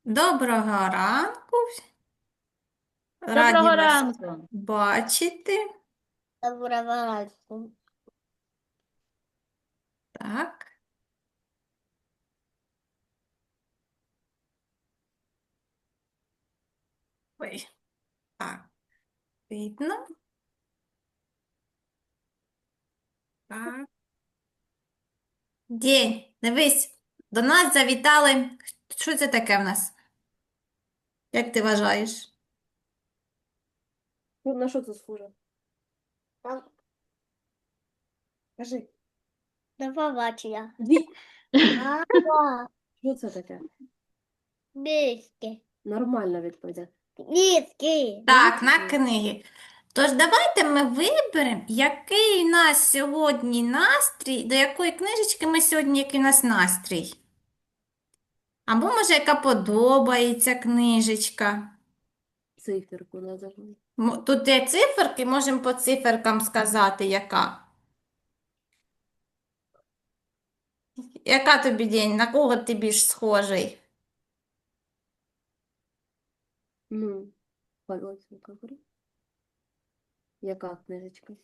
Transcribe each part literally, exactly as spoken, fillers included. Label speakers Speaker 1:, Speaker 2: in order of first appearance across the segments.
Speaker 1: Доброго ранку. Раді
Speaker 2: Доброго
Speaker 1: вас
Speaker 2: ранку.
Speaker 1: бачити.
Speaker 3: Доброго ранку.
Speaker 1: Так. Ой, так. Видно. Так. День. Дивись, до нас завітали. Що це таке в нас? Як ти вважаєш?
Speaker 4: Ну, на що це схоже?
Speaker 3: Там
Speaker 4: Кажи.
Speaker 3: до побачення.
Speaker 4: Дві.
Speaker 3: Мама,
Speaker 4: Що це таке?
Speaker 3: миски.
Speaker 4: Нормальна відповідь.
Speaker 3: Миски.
Speaker 1: Так, на книги. Тож давайте ми виберемо, який у нас сьогодні настрій, до якої книжечки ми сьогодні, який у нас настрій. Або, може, яка подобається книжечка.
Speaker 4: Циферку назову.
Speaker 1: М, Тут є циферки, можемо по циферкам сказати, яка. Яка тобі день? На кого ти більш схожий?
Speaker 4: Ну, пальцем говори. Яка книжечка?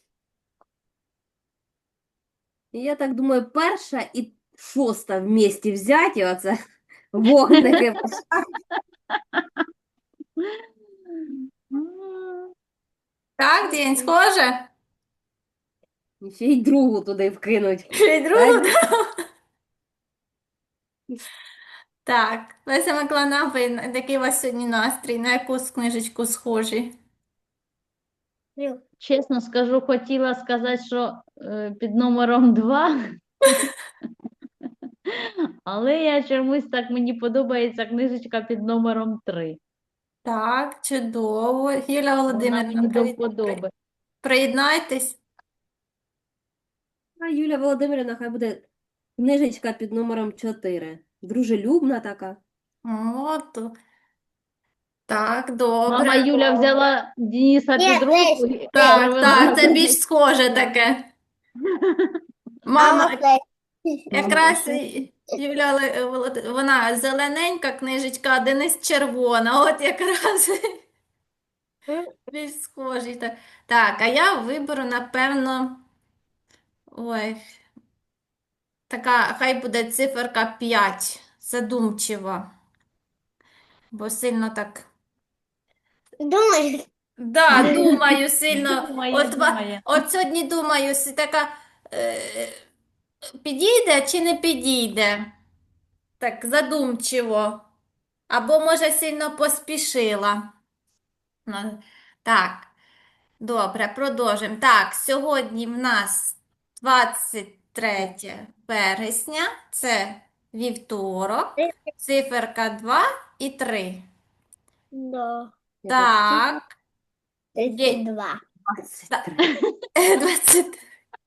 Speaker 4: І я так думаю, перша і шоста вместе взяті, оце вогники.
Speaker 1: Так, день схоже?
Speaker 4: І ще й другу туди вкинуть.
Speaker 1: Ще й другу?
Speaker 4: Так?
Speaker 1: Так, Леся Миколаївна, ви, який у вас сьогодні настрій? На яку з книжечку схожі?
Speaker 2: Чесно скажу, хотіла сказати, що е, під номером два, але я чомусь так мені подобається книжечка під номером три.
Speaker 1: Так, чудово. Юля
Speaker 2: Вона
Speaker 1: Володимирівна,
Speaker 2: мені до
Speaker 1: привіт.
Speaker 2: вподоби.
Speaker 1: Приєднайтесь.
Speaker 4: А Юля Володимирівна, хай буде книжечка під номером чотири. Дружелюбна така.
Speaker 1: От. Так,
Speaker 2: Мама
Speaker 1: добре.
Speaker 2: Юля взяла Дениса
Speaker 3: Ні,
Speaker 2: під руку і
Speaker 1: Так,
Speaker 2: привела
Speaker 1: так, це
Speaker 2: кудись.
Speaker 1: більш схоже таке. Мама, якраз і- Юля Ле- Волод- вона зелененька книжечка, а Денис червона. От якраз більш схожі. Так, так, а я виберу, напевно, ой, така, хай буде циферка п'ять. Задумчива. Бо сильно так.
Speaker 3: Думаєш?
Speaker 1: Да, думаю сильно.
Speaker 2: Думає,
Speaker 1: От, ва-
Speaker 2: думає.
Speaker 1: от сьогодні думаю, си така е, підійде чи не підійде? Так, задумчиво. Або, може, сильно поспішила. Ну, так, добре, продовжимо. Так, сьогодні в нас двадцять третє вересня, це вівторок, циферка два і три.
Speaker 3: Да.
Speaker 4: Яка цифра?
Speaker 1: Так, є
Speaker 3: тридцять два.
Speaker 4: двадцять три.
Speaker 1: двадцять.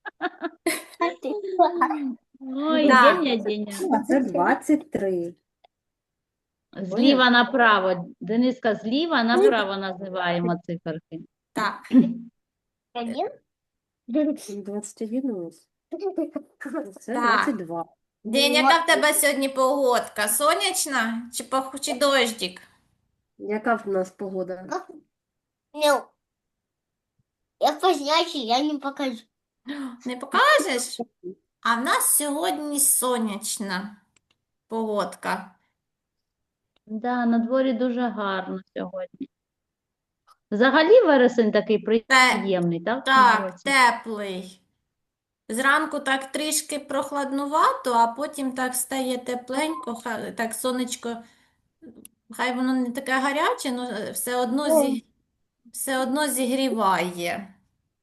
Speaker 2: Ой,
Speaker 1: Да.
Speaker 2: Деня, Деня.
Speaker 4: А це двадцять три.
Speaker 2: Зліва направо. Дениска, зліва направо називаємо циферки.
Speaker 1: Так,
Speaker 3: Один?
Speaker 4: двадцять один у нас. Це
Speaker 1: Так.
Speaker 4: двадцять два.
Speaker 1: День, яка в тебе сьогодні погодка? Сонячна чи, пох... чи дощик?
Speaker 4: Яка в нас погода?
Speaker 3: Ну, я позначу, я не покажу.
Speaker 1: Не покажеш? А в нас сьогодні сонячна погодка.
Speaker 2: Да, на дворі дуже гарно сьогодні. Взагалі вересень такий приємний, так? в цьому
Speaker 1: Так,
Speaker 2: році?
Speaker 1: теплий. Зранку так трішки прохладнувато, а потім так стає тепленько, хай- так сонечко, хай воно не таке гаряче, але все одно, зі... все одно зігріває.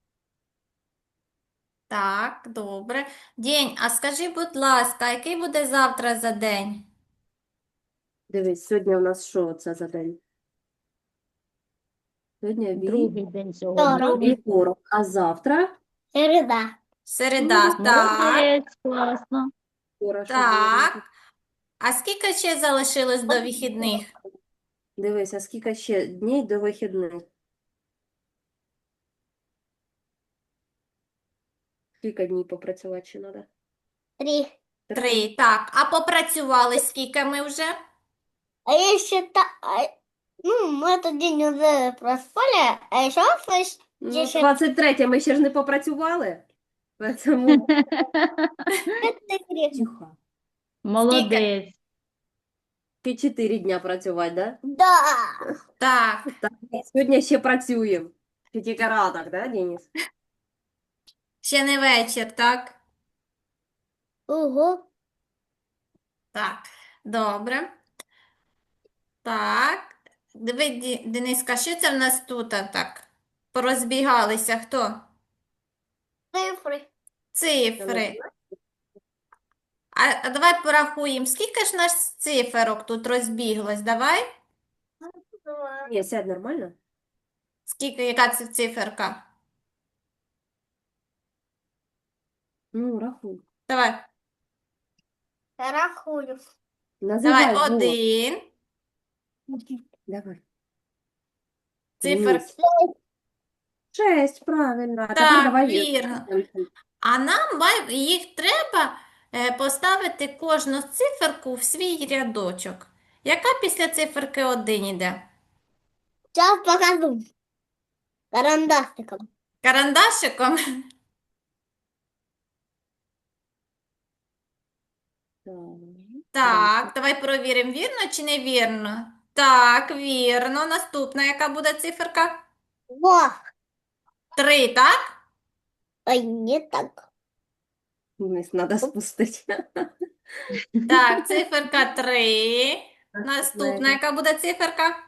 Speaker 1: Так, добре. День, а скажи, будь ласка, який буде завтра за день?
Speaker 4: Дивись, сьогодні у нас що це за день? Сьогодні ві...
Speaker 2: Другий день сьогодні.
Speaker 3: Вівторок.
Speaker 4: вівторок, а завтра?
Speaker 3: Середа.
Speaker 1: Середа, так,
Speaker 2: Молодець, класно.
Speaker 4: Вчора що
Speaker 1: так.
Speaker 4: було?
Speaker 1: А скільки ще залишилось до вихідних?
Speaker 4: Дивись, а скільки ще днів до вихідних? Скільки днів попрацювати ще треба?
Speaker 3: Три.
Speaker 1: Три, так. А попрацювали скільки ми вже?
Speaker 3: А если та... а, ну, мы этот день уже проспали, а еще слышь,
Speaker 4: Ну,
Speaker 3: десять
Speaker 4: двадцять третє ми ще ж не попрацювали. Тому
Speaker 3: четыре.
Speaker 4: тихо.
Speaker 2: Молодець.
Speaker 4: Ти чотири дня працювати, да?
Speaker 3: Да.
Speaker 1: Так,
Speaker 4: Так, сьогодні ще працюємо. Ще тільки ранок, да, Денис?
Speaker 1: ще не вечір, так?
Speaker 3: Ого.
Speaker 1: Так, добре. Так. Диви, Ді- Дениска, що це в нас тут а, так? Порозбігалися. Хто?
Speaker 3: Цифры.
Speaker 1: Цифри. А, а давай порахуємо, скільки ж нас циферок тут розбіглось? Давай.
Speaker 3: Два.
Speaker 4: Ні, сядь нормально.
Speaker 1: Скільки, яка це циферка?
Speaker 4: Ну, рахуй.
Speaker 1: Давай.
Speaker 3: Рахую.
Speaker 4: Називай
Speaker 1: Давай,
Speaker 4: голос.
Speaker 1: один.
Speaker 4: Давай.
Speaker 1: Цифер.
Speaker 4: Денис. Шесть, правильно. А тепер
Speaker 1: Так,
Speaker 4: давай.
Speaker 1: вірно. А нам май- їх треба е, поставити кожну циферку в свій рядочок. Яка після циферки один іде?
Speaker 3: Сейчас покажу. Карандашиком.
Speaker 1: Карандашиком? Так, давай перевіримо, вірно чи не вірно. Так, вірно. Наступна, яка буде циферка?
Speaker 3: Во.
Speaker 1: Три, так?
Speaker 3: Ой, не так.
Speaker 4: Денис, треба спустити.
Speaker 1: Так, циферка три. Наступна, яка буде циферка?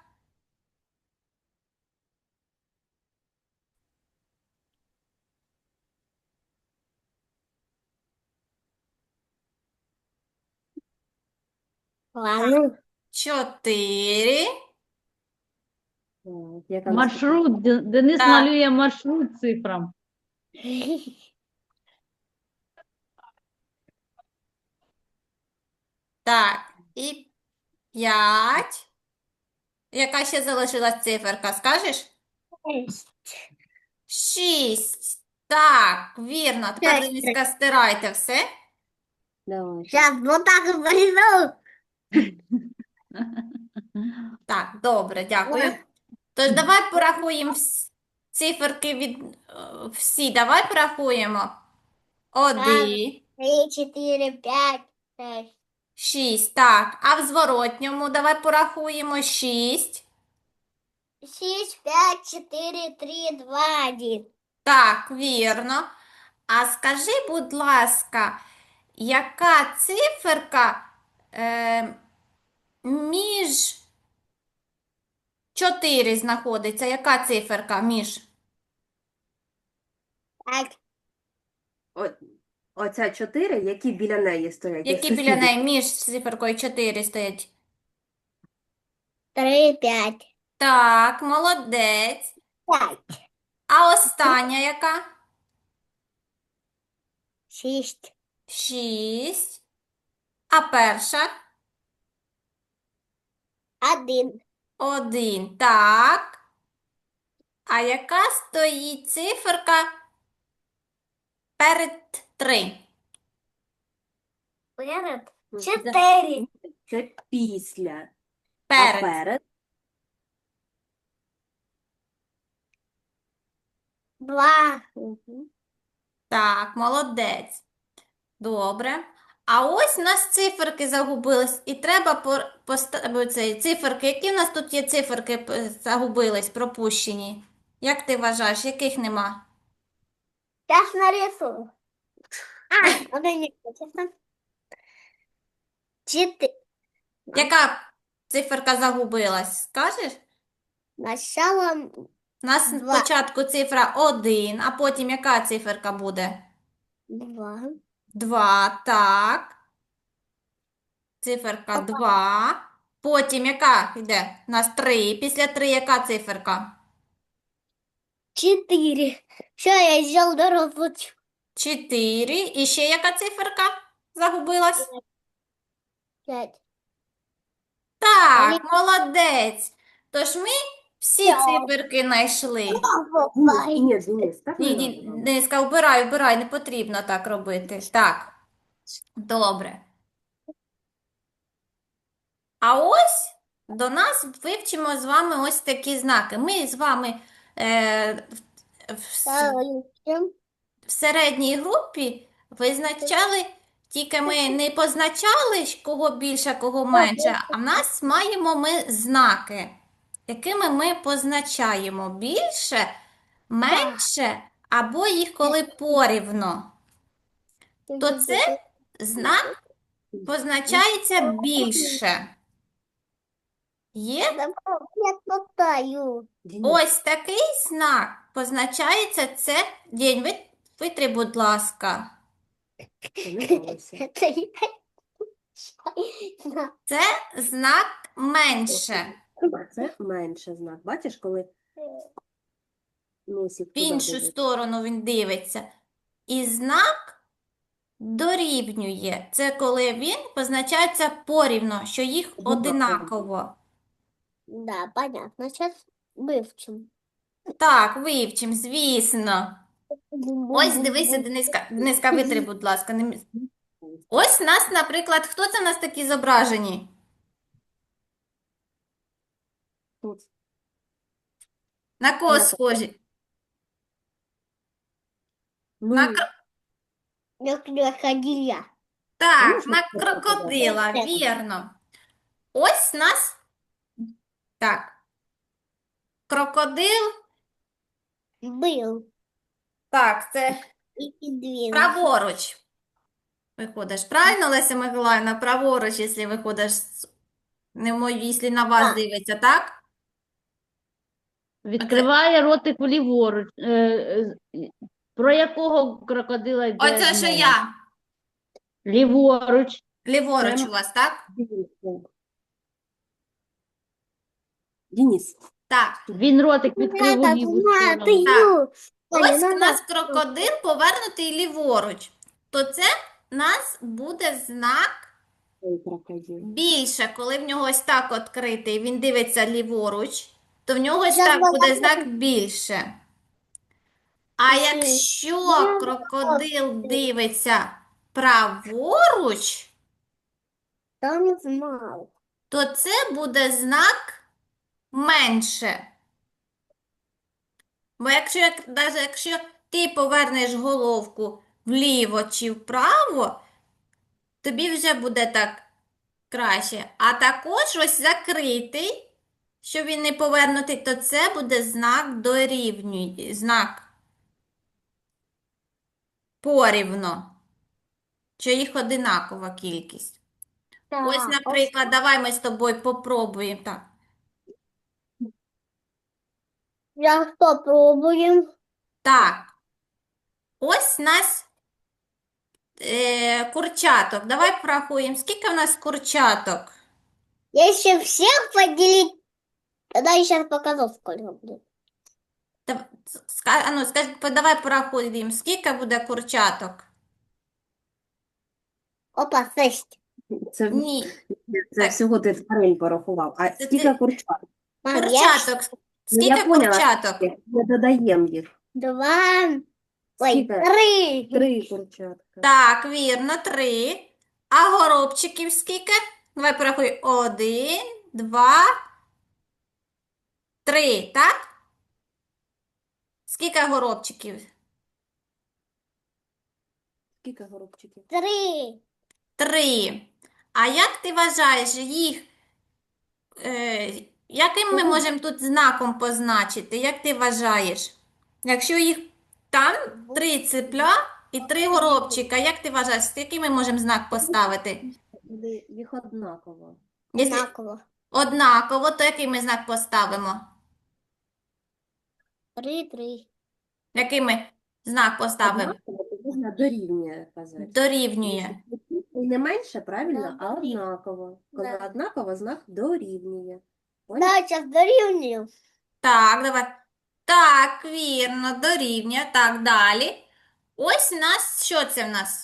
Speaker 3: Ладно.
Speaker 1: Чотири.
Speaker 4: Так, яка наступна?
Speaker 2: Маршрут. Де- Денис
Speaker 1: Так.
Speaker 2: малює маршрут цифрам.
Speaker 1: Так, і п'ять. Яка ще залишилась циферка, скажеш? Шість. Так, вірно. Тепер,
Speaker 3: Шесть.
Speaker 1: Дениска, стирайте все.
Speaker 4: Давай.
Speaker 3: Сейчас вот так и порезал.
Speaker 1: Так, добре, дякую. Тож давай порахуємо вс- циферки від е, всі. Давай порахуємо. Один,
Speaker 3: Три, четыре, пять, шесть.
Speaker 1: шість. Так, а в зворотньому давай порахуємо шість.
Speaker 3: Шесть, пять, четыре, три, два, один.
Speaker 1: Так, вірно. А скажи, будь ласка, яка циферка е, між чотири знаходиться? Яка циферка між?
Speaker 3: Так,
Speaker 4: О, оця чотири, які біля неї стоять? як
Speaker 1: Які біля
Speaker 4: сусіди?
Speaker 1: неї між циферкою чотири стоять?
Speaker 3: три, пять.
Speaker 1: Так, молодець.
Speaker 3: Пять.
Speaker 1: А остання яка?
Speaker 3: Шесть.
Speaker 1: Шість. А перша?
Speaker 3: Один.
Speaker 1: Один. Так. А яка стоїть циферка перед три?
Speaker 3: Перед.
Speaker 4: Ну,
Speaker 3: Четыре.
Speaker 4: Це після. А
Speaker 1: Перед.
Speaker 4: перед?
Speaker 3: Два.
Speaker 1: Так, молодець. Добре. А ось у нас циферки загубились, і треба поставити циферки. Які в нас тут є циферки п- загубились, пропущені? Як ти вважаєш, яких нема?
Speaker 3: Сейчас нарисую. А, вот они. Четыре.
Speaker 1: Яка циферка загубилась? Скажеш?
Speaker 3: Начало
Speaker 1: У нас
Speaker 3: Два.
Speaker 1: спочатку цифра один, а потім яка циферка буде?
Speaker 3: два.
Speaker 1: Два, так. Циферка
Speaker 3: Опа.
Speaker 1: два. Потім яка йде? У нас три. Після три яка циферка?
Speaker 3: Четыре. Все, я сделал дорогу.
Speaker 1: чотири. І ще яка циферка загубилась?
Speaker 3: Пять.
Speaker 1: Так, молодець. Тож ми всі
Speaker 3: Так.
Speaker 1: циферки знайшли.
Speaker 4: Ні, ні, Денис, так
Speaker 1: Ні,
Speaker 4: не
Speaker 1: ні,
Speaker 4: надо.
Speaker 1: Дениска, вбирай, вбирай, не потрібно так робити. Так, добре. А ось до нас вивчимо з вами ось такі знаки. Ми з вами е, в, в с-
Speaker 3: Второй.
Speaker 1: в середній групі визначали, тільки ми не позначали, кого більше, кого менше, а в нас маємо ми знаки, якими ми позначаємо більше, менше, або їх коли порівно. То це знак позначається більше. Є
Speaker 3: Я мотаю.
Speaker 4: Денис,
Speaker 1: ось такий знак позначається це день. Ви- Витри, будь ласка.
Speaker 4: ти не балуйся.
Speaker 3: Это я.
Speaker 1: Це знак менше.
Speaker 4: Це менше знак. Бачиш, коли носик
Speaker 1: В
Speaker 4: туди
Speaker 1: іншу
Speaker 4: дивиться?
Speaker 1: сторону він дивиться. І знак дорівнює. Це коли він позначається порівно, що їх одинаково.
Speaker 3: Да, понятно. Сейчас вывчим.
Speaker 1: Так, вивчим, звісно. Ось дивися, Дениска, Дениска, витри, будь ласка. не мі- Ось нас, наприклад, хто це в нас такі зображені?
Speaker 4: Тут.
Speaker 1: На кого
Speaker 4: На
Speaker 1: схожі?
Speaker 4: Ну,
Speaker 1: На кро-
Speaker 3: Я крокодиля.
Speaker 1: Так,
Speaker 4: можна
Speaker 1: на
Speaker 4: сказати, да?
Speaker 1: крокодила,
Speaker 3: Так.
Speaker 1: вірно. Ось нас. Так. Крокодил.
Speaker 3: Был
Speaker 1: Так, це
Speaker 3: и, и двинулся.
Speaker 1: праворуч. Виходиш. Правильно, Леся Миколаївна? Праворуч, якщо виходиш, з- не мой, якщо на вас
Speaker 3: Так.
Speaker 1: дивиться, так?
Speaker 2: Відкриває ротик ліворуч. Е, е, Про якого крокодила йде
Speaker 1: Оце що
Speaker 2: мова?
Speaker 1: я.
Speaker 2: Ліворуч.
Speaker 1: Ліворуч
Speaker 4: Прямо.
Speaker 1: у вас, так?
Speaker 4: Денис. Денис,
Speaker 1: Так.
Speaker 2: Він ротик відкрив у
Speaker 3: Надо,
Speaker 2: ліву
Speaker 3: надо,
Speaker 2: сторону.
Speaker 3: ю. Аня,
Speaker 1: Ось у
Speaker 3: надо.
Speaker 1: нас крокодил повернутий ліворуч. То це у нас буде знак
Speaker 4: ой, крокодил.
Speaker 1: більше, коли в нього ось так відкритий, він дивиться ліворуч, то в нього ось
Speaker 3: Я
Speaker 1: так
Speaker 3: знала,
Speaker 1: буде
Speaker 3: що
Speaker 1: знак більше. А
Speaker 3: Мгм.
Speaker 1: якщо
Speaker 3: Я
Speaker 1: крокодил дивиться праворуч,
Speaker 3: Там не знал.
Speaker 1: то це буде знак менше. Бо якщо, як- навіть якщо ти повернеш головку вліво чи вправо, тобі вже буде так краще. А також ось закритий, що він не повернутий, то це буде знак дорівнює, знак порівно, що їх одинакова кількість. Ось,
Speaker 3: Так,
Speaker 1: наприклад, давай ми з тобою попробуємо так.
Speaker 3: я что, пробуем?
Speaker 1: Так, ось у нас е, курчаток. Давай порахуємо, скільки в нас курчаток?
Speaker 3: Если всех поделить, тогда я сейчас покажу, сколько будет.
Speaker 1: Та- ска- а ну, скажи, по- давай порахуємо, скільки буде курчаток?
Speaker 3: Опа, шесть.
Speaker 4: Це,
Speaker 1: Ні,
Speaker 4: це
Speaker 1: Так.
Speaker 4: всього ти тварин порахував. А
Speaker 1: Це
Speaker 4: скільки
Speaker 1: ти-
Speaker 4: курчат?
Speaker 3: Мам, я
Speaker 1: курчаток.
Speaker 4: Ну, я
Speaker 1: Скільки
Speaker 4: поняла.
Speaker 1: курчаток?
Speaker 4: Ми додаємо їх.
Speaker 3: два, ой,
Speaker 4: Скільки?
Speaker 3: три.
Speaker 4: Три курчатка.
Speaker 1: Так, вірно, три. А горобчиків скільки? Давай порахуй. Один, два, три, так? Скільки горобчиків?
Speaker 4: Скільки горобчиків?
Speaker 3: Три.
Speaker 1: Три. А як ти вважаєш їх? Е, яким ми можемо тут знаком позначити? Як ти вважаєш? Якщо їх там три цепля і три горобчика, як ти вважаєш, який ми можемо знак поставити?
Speaker 4: Буде їх однаково.
Speaker 1: Якщо
Speaker 3: Одинаково.
Speaker 1: однаково, то який ми знак поставимо?
Speaker 3: Три, три.
Speaker 1: Який ми знак поставимо?
Speaker 4: Однаково, то можна дорівнює казати.
Speaker 1: Дорівнює.
Speaker 4: І не менше, правильно, а
Speaker 3: Да.
Speaker 4: однаково. Коли
Speaker 3: Да.
Speaker 4: однаково, знак дорівнює. Понял?
Speaker 3: Да, сейчас дорівнюю.
Speaker 1: Так, давай. Так, вірно, дорівнює. Так, далі. Ось у нас, що це в нас?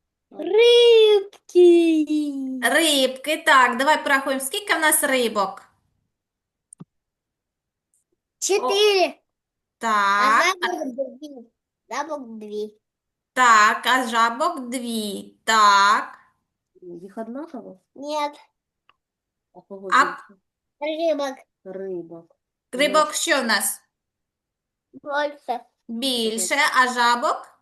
Speaker 3: Рибки.
Speaker 1: Рибки. Так, давай порахуємо, скільки в нас рибок?
Speaker 3: Чотири. А
Speaker 1: Так,
Speaker 3: жабок дві. Жабок дві.
Speaker 1: так, а жабок дві. Так.
Speaker 4: Їх однаково?
Speaker 3: Нет.
Speaker 4: А кого
Speaker 1: А-
Speaker 4: більше?
Speaker 3: Рыбок
Speaker 4: Рибок.
Speaker 1: Рибок що в нас?
Speaker 3: больше.
Speaker 1: Більше, а жабок?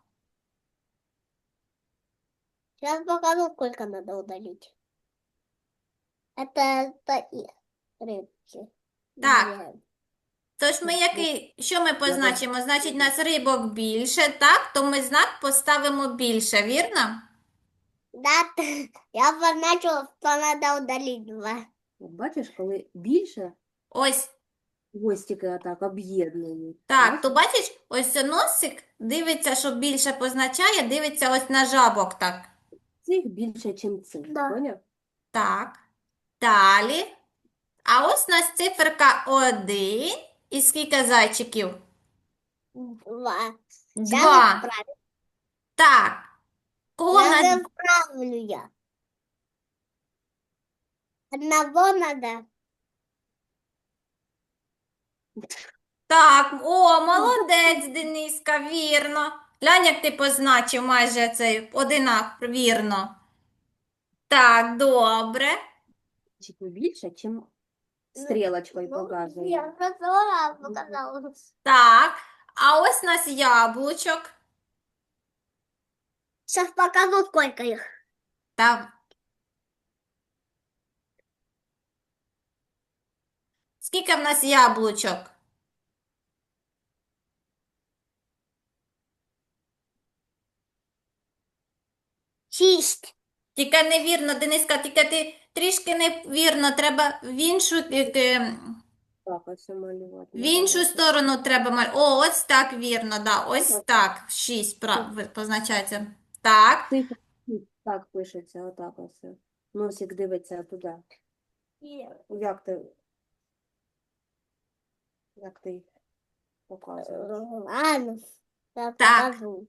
Speaker 3: Сейчас покажу, сколько надо удалить. Это, это их рыбки.
Speaker 1: Так.
Speaker 3: Две.
Speaker 1: Тож ми який, що ми
Speaker 4: Надо-
Speaker 1: позначимо? Значить, у нас рибок більше, так? То ми знак поставимо більше, вірно?
Speaker 3: Да, т- я позначила, что надо удалить два.
Speaker 4: От бачиш, коли більше
Speaker 1: Ось
Speaker 4: хвостики отак об'єднані.
Speaker 1: так. То
Speaker 4: Бачиш?
Speaker 1: бачиш, ось це носик дивиться, що більше позначає, дивиться ось на жабок так.
Speaker 4: Цих більше, ніж цих.
Speaker 3: Да.
Speaker 4: Поняв?
Speaker 1: Так. Далі. А ось у нас циферка один. І скільки зайчиків?
Speaker 3: Два.
Speaker 1: Два.
Speaker 3: Сейчас исправлю.
Speaker 1: Так. Кого
Speaker 3: Сейчас
Speaker 1: на...
Speaker 3: исправлю я. Одного надо.
Speaker 1: Так, о, молодець, Дениска, вірно. Глянь, як ти позначив майже цей одинак, вірно. Так, добре.
Speaker 4: Чуть більше, чим стрілочкою
Speaker 3: Ну,
Speaker 4: показує.
Speaker 3: я просто показала.
Speaker 1: Так. А ось у нас яблучок.
Speaker 3: Сейчас покажу, сколько их.
Speaker 1: Так. Скільки в нас яблучок?
Speaker 3: Шесть.
Speaker 1: Тільки невірно, Дениска, тільки ти трішки невірно, треба в іншу, е, е,
Speaker 4: Так, ось малювати.
Speaker 1: в іншу сторону треба малювати. О, ось так вірно, да, ось
Speaker 4: Так.
Speaker 1: так, шість прав- ви- позначається. Так,
Speaker 4: Цифра так пишеться, отак ось. Носик дивиться туди. Як ти? Як ти показуєш?
Speaker 3: Ладно, я
Speaker 1: Так.
Speaker 3: покажу.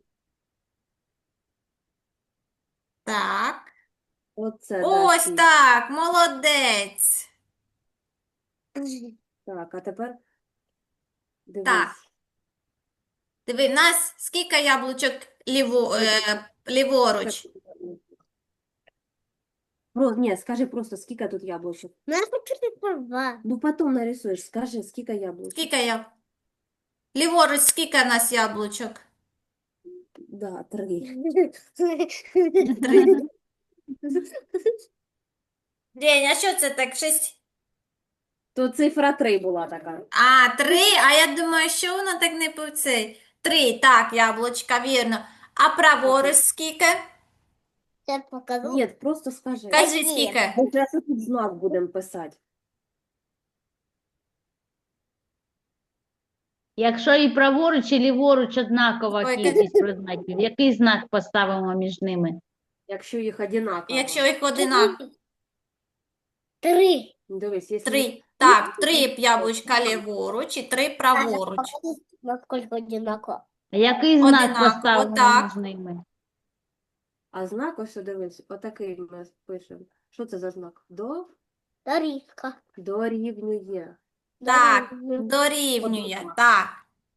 Speaker 1: так.
Speaker 4: Оце, да,
Speaker 1: Ось
Speaker 4: шість.
Speaker 1: так, молодець.
Speaker 4: Так, а тепер дивись.
Speaker 1: Так. Диви, в нас скільки яблучок ліво, е, ліворуч?
Speaker 4: Про, ні, скажи просто, скільки тут яблучок.
Speaker 3: Ну, я хочу тільки два.
Speaker 4: Ну, потім нарисуєш, скажи, скільки яблучок.
Speaker 1: Скільки я? Ліворуч, скільки в нас яблучок?
Speaker 4: Да, три.
Speaker 1: Три. День, а що це так? Шість?
Speaker 4: То цифра три була така.
Speaker 1: А, три, а я думаю, що воно так не по цей. Три, так, яблучка, вірно. А праворуч скільки?
Speaker 3: Сейчас покажу.
Speaker 4: Ні, просто скажи.
Speaker 1: Кажи,
Speaker 3: Ні.
Speaker 1: скільки?
Speaker 4: Ми зараз тут знак будемо писати.
Speaker 2: Якщо і праворуч, і ліворуч однакова
Speaker 1: Ой,
Speaker 2: кількість предметів, який знак поставимо між ними?
Speaker 4: Якщо їх одинаково.
Speaker 1: Якщо їх одинаково.
Speaker 3: Три.
Speaker 4: Дивись, якщо
Speaker 1: Три. Так, три яблучка ліворуч і три праворуч.
Speaker 3: Насколько одинаково.
Speaker 2: А який знак
Speaker 1: Одинаково,
Speaker 2: поставимо
Speaker 1: так.
Speaker 2: між ними?
Speaker 4: А знак, ось дивись, отакий ми пишемо. Що це за знак? До,
Speaker 3: Дорівка.
Speaker 4: дорівнює.
Speaker 1: Так,
Speaker 3: Дорівнює.
Speaker 1: дорівнює.
Speaker 4: Однаково.
Speaker 1: Так.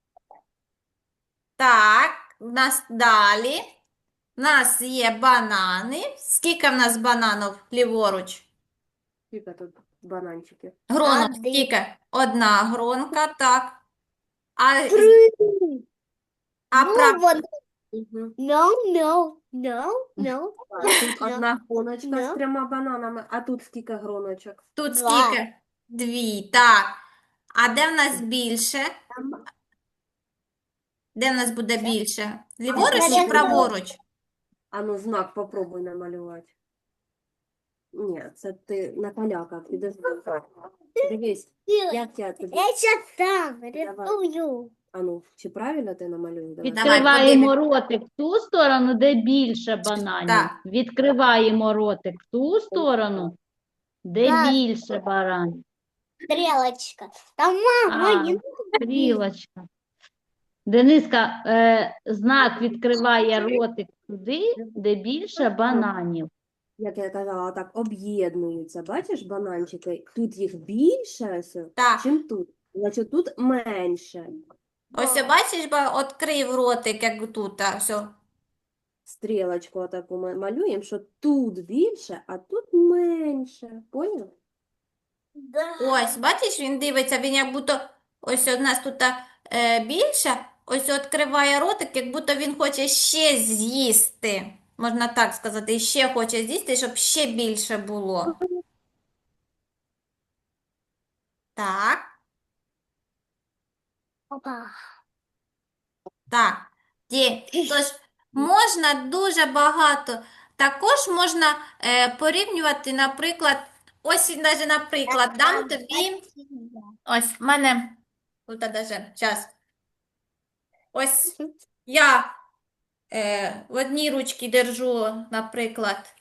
Speaker 1: Так, у нас далі. У нас є банани. Скільки в нас бананів ліворуч?
Speaker 4: Скільки тут бананчиків?
Speaker 1: Гронок
Speaker 3: Один.
Speaker 1: скільки? Одна гронка, так. А,
Speaker 3: Три.
Speaker 1: а
Speaker 3: Ну,
Speaker 1: прав...
Speaker 3: вот.
Speaker 4: Угу.
Speaker 3: No, no, no, no.
Speaker 4: Тут одна гроночка
Speaker 3: Да.
Speaker 4: з трьома бананами, а тут скільки гроночок?
Speaker 1: Тут
Speaker 3: Два.
Speaker 1: скільки? Дві, так. А де в нас більше?
Speaker 3: Там
Speaker 1: Де в нас буде
Speaker 3: Це-
Speaker 1: більше? Ліворуч
Speaker 3: це
Speaker 1: чи
Speaker 3: я
Speaker 1: праворуч?
Speaker 4: А ну знак попробуй намалювати. Ні, це ти на поляках підожди. Дивись, як я тобі.
Speaker 3: Я сейчас сам рисую.
Speaker 4: А ну, чи правильно ти намалюєш? Давай.
Speaker 1: Давай,
Speaker 2: Відкриваємо ротик в ту сторону, де більше бананів.
Speaker 1: Так.
Speaker 2: Відкриваємо ротик в ту сторону, де
Speaker 3: Так.
Speaker 2: більше баранів.
Speaker 3: Стрелочка. Там мама,
Speaker 2: А,
Speaker 3: не
Speaker 2: стрілочка. Дениска, е, знак відкриває ротик туди, де більше бананів.
Speaker 4: Як я казала, так об'єднуються. Бачиш бананчики? Тут їх більше, ось,
Speaker 1: Так.
Speaker 4: чим тут. Значить, тут менше.
Speaker 1: Ось бачиш, ба, відкрив ротик, як тут. А, все.
Speaker 4: Стрілочку таку ми малюємо, що тут більше, а тут менше. Поняв?
Speaker 3: Да.
Speaker 1: Ось, бачиш, він дивиться, він як будто ось у нас тут е, більше, ось відкриває ротик, як будто він хоче ще з'їсти. Можна так сказати, ще хоче з'їсти, щоб ще більше було. Так,
Speaker 3: Опа.
Speaker 1: так. Є. Тож можна дуже багато. Також можна е, порівнювати, наприклад, ось навіть, наприклад, дам тобі. Ось в мене тут даже час. Ось я е, в одній ручці держу, наприклад.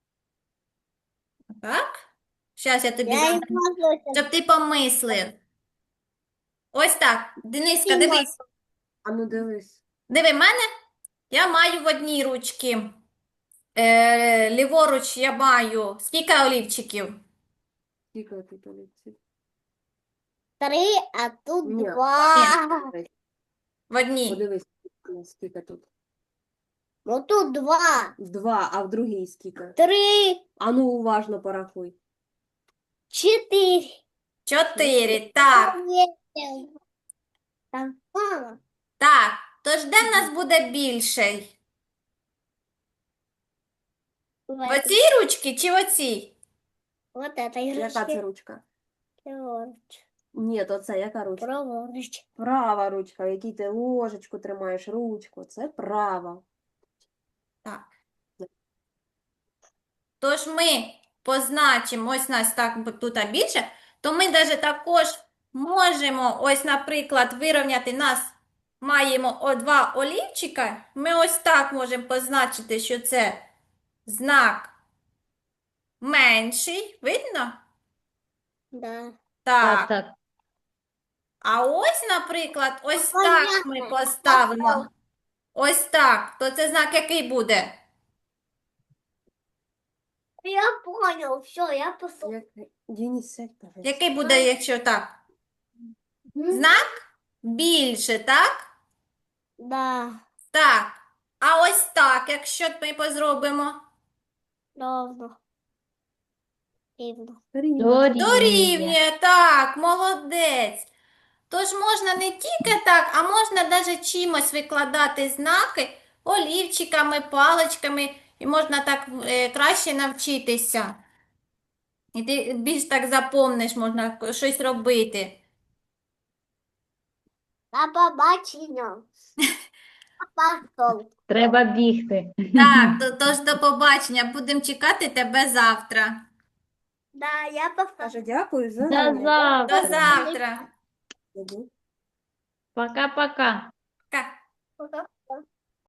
Speaker 1: Так? Зараз я тобі
Speaker 3: Я
Speaker 1: дам,
Speaker 3: не могу.
Speaker 1: щоб ти помислив. Ось так. Дениска,
Speaker 3: Не
Speaker 1: дивись.
Speaker 4: А ну дивись.
Speaker 1: Диви мене. Я маю в одній ручці. Е, ліворуч я маю. Скільки олівчиків?
Speaker 4: Скільки тут олівців?
Speaker 3: Три, а тут
Speaker 4: Ні.
Speaker 3: два.
Speaker 1: В одній.
Speaker 4: Подивись, скільки тут.
Speaker 3: Ну тут два.
Speaker 4: Два, а в другій скільки?
Speaker 3: Три,
Speaker 4: А ну уважно порахуй.
Speaker 3: четыре.
Speaker 1: Чотири. Так.
Speaker 3: Там мало.
Speaker 1: Так. Тож де в нас буде більший? В оцій ручці чи в оцій?
Speaker 3: Вот это
Speaker 4: Яка це
Speaker 3: игрушка.
Speaker 4: ручка?
Speaker 3: Праворуч.
Speaker 4: Ні, то це яка ручка?
Speaker 3: Праворуч.
Speaker 4: Права ручка, в якій ти ложечку тримаєш, ручку. Це права.
Speaker 1: Так. Тож ми позначимо, ось нас так бо тут більше, то ми навіть також можемо, ось, наприклад, вирівняти нас, маємо о два олівчика, ми ось так можемо позначити, що це знак менший, видно?
Speaker 3: Да.
Speaker 2: Так,
Speaker 1: Так.
Speaker 2: так.
Speaker 1: А ось, наприклад, ось
Speaker 3: Понятно.
Speaker 1: так ми поставимо. Ось так. То це знак який буде?
Speaker 3: Я понял, все, я послушал.
Speaker 4: Як... Денис, сядь, пожалуйста.
Speaker 1: Який буде, якщо так? Знак більше, так?
Speaker 3: Да,
Speaker 1: Так. А ось так, якщо ми позробимо.
Speaker 3: ровно. Ровно.
Speaker 4: Рівно.
Speaker 2: Дорівнює.
Speaker 1: Дорівнює, так, молодець. Тож можна не тільки так, а можна навіть чимось викладати знаки олівчиками, паличками, і можна так е, краще навчитися. І ти більш так запомниш, можна щось робити.
Speaker 3: На побачення. Пошел.
Speaker 2: Треба бігти.
Speaker 1: Так, то- тож до побачення. Будемо чекати тебе завтра.
Speaker 3: Да, я пошел.
Speaker 4: Каже, дякую за
Speaker 2: До
Speaker 4: заняття.
Speaker 1: До
Speaker 2: завтра.
Speaker 1: завтра.
Speaker 4: Іди.
Speaker 2: Пока-пока.